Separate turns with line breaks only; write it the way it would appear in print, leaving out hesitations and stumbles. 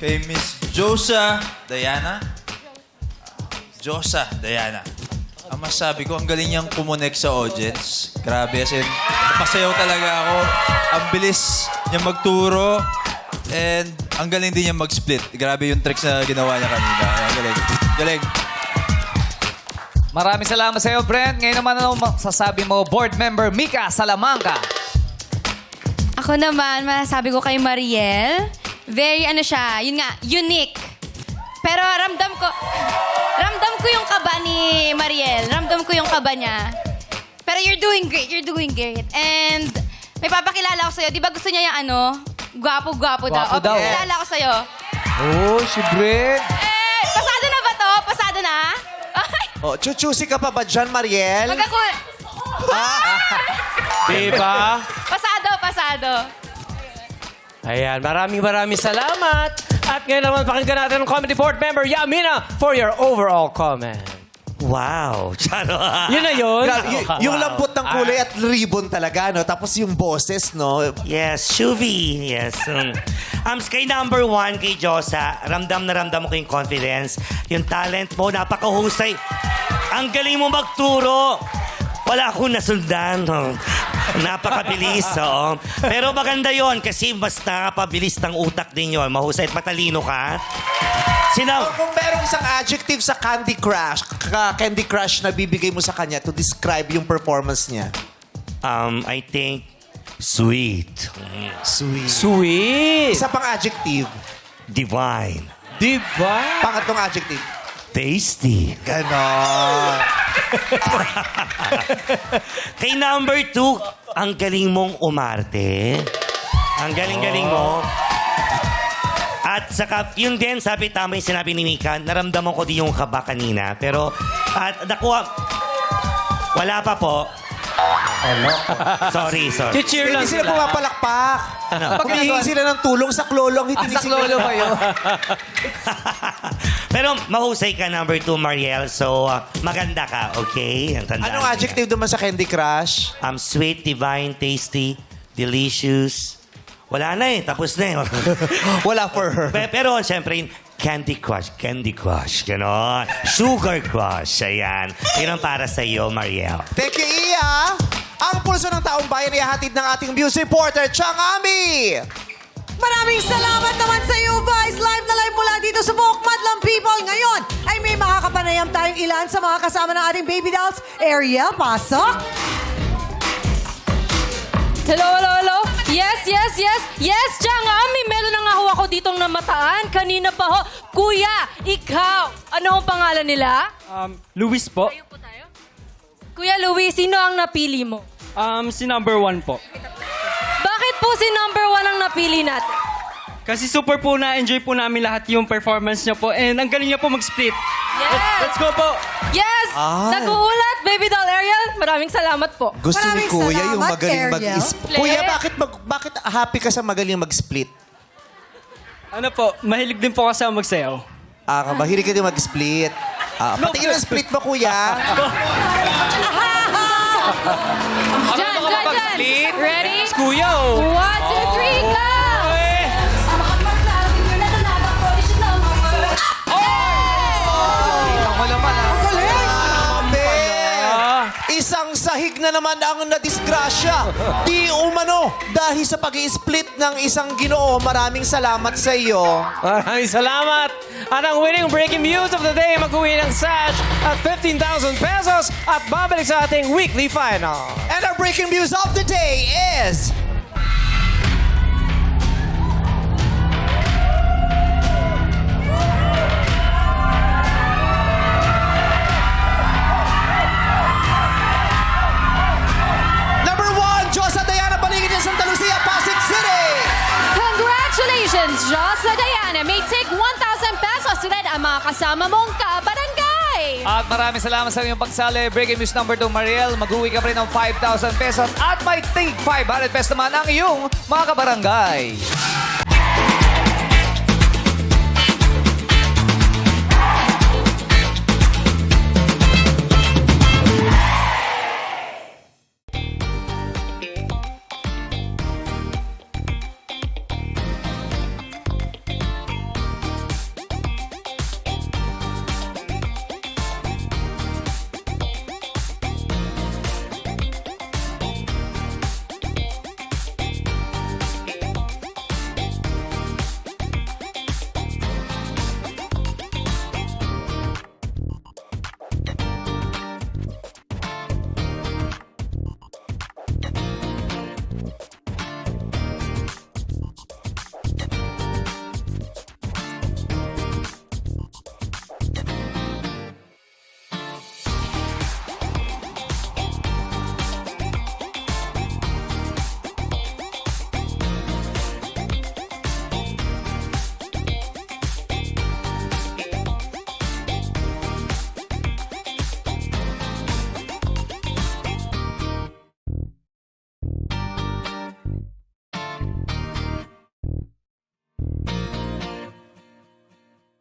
Kay Miss Josa Diana. Josa Diana. Ang masabi ko, ang galing niyang kumonek sa audience. Grabe, as in, napasayaw talaga ako. Ang bilis niya magturo. And ang galing din niya mag-split. Grabe yung tricks na ginawa niya kanina. Ang galing. Galing.
Maraming salamat sa iyo, Brent. Ngayon naman ano sasabi mo, board member Mika Salamanca.
Ako naman, masasabi ko kay Mariel, very ano siya, yun nga, unique. Pero ramdam ko yung kaba ni Mariel. Ramdam ko yung kaba niya. Pero you're doing great. And may papakilala ko sa'yo. Di ba gusto niya yung ano, gwapo-gwapo daw.
Gwapo daw.
Papakilala ko sa'yo.
Oh, si Brent.
Pasado na ba to? Pasado na?
Oh, chuchusi ka pa ba dyan, Mariel?
Diba?
Pasado.
Ayan, maraming salamat. At ngayon naman pakinggan natin ang comedy board member, Yamina, for your overall comment.
Wow. Charo.
Yun na yun?
Yung lambot ng kulay at ribbon talaga, no? Tapos yung boses, no?
Yes, Shuvi. Yes. Kay number 1, kay Josa, ramdam na ramdam mo ko yung confidence. Yung talent mo, napakahusay. Ang galing mo magturo. Wala akong nasundan. No? Napakabilis. Oh. Pero maganda yon kasi mas nakapabilis ng utak din yon. Mahusay at matalino ka.
Kung merong isang adjective sa Candy Crush na bibigay mo sa kanya to describe yung performance niya.
I think, sweet.
Sweet.
Isa pang adjective.
Divine.
Diba?
Pangatlong adjective.
Tasty.
Ganon.
Kay number 2, ang galing mong umarte. Ang galing-galing mo. At saka, yun din, tama yung sinabi ni Mika, naramdaman ko din yung kaba kanina. Pero, at nakuha, wala pa po. Sorry.
Cheer lang
Hindi sila pumapalakpak. Humihingi sila ng tulong sa klolong.
Saklolo ba yun?
Pero mahusay ka, number 2, Mariel. So, maganda ka, okay?
Anong adjective naman sa Candy Crush?
Sweet, divine, tasty, delicious. Wala na eh. Tapos na eh.
Wala for her.
Pero, siyempre, Candy Crush, gano'n. Sugar Crush, ayan. Yun ang para sa iyo, Mariel.
Thank you, Iya. Ang pulso ng taong bayan ay hatid ng ating news reporter, Chang Ami.
Maraming salamat naman sa iyo, Vice. Live na live mula dito sa Buhok Madlang People. Ngayon ay may makakapanayam tayong ilan sa mga kasama ng ating baby dolls. Ariel, pasok.
Hello. Yes, Changami. Meron na nga ho ako ditong namataan. Kanina pa ho. Kuya, ikaw. Ano ang pangalan nila?
Luis po.
Kuya Luis, sino ang napili mo?
Si number 1 po.
Bakit po si number 1 ang napili natin?
Kasi super po na-enjoy po namin lahat yung performance niya po. And ang galing niya po mag-split.
Yes!
Let's go po!
Yes! Nag-uulat, Baby Doll Ariel. Maraming salamat po.
Gusto ni
Maraming
Kuya yung
salamat,
magaling
Ariel.
mag-split. Kuya, bakit happy ka sa magaling mag-split?
Ano po, mahilig din po kasi ako magsayaw.
Mahilig ka din mag-split. Patingin ang split mo, Kuya.
Jan. Ready?
Kuya, oh!
1, 2, 3, go!
Isang sahig na naman ang nadisgrasya. Di umano dahil sa pag-i-split ng isang Ginoo. Maraming salamat sa iyo.
Maraming salamat. At ang winning breaking news of the day, mag-uwi ng sash at 15,000 pesos at babalik sa ating weekly final.
And our breaking news of the day is... Number 1, Josa Diana Paligid ng Santa Lucia, Pasig City.
Congratulations, Josa Diana. May take 1,000 pesos rin ang mga kasama mong kabarangay.
At maraming salamat sa inyong pagsali. Breaking news number 2, Mariel. Mag-uwi ka pa rin ng 5,000 pesos at may take 500 pesos naman ang iyong mga kabarangay.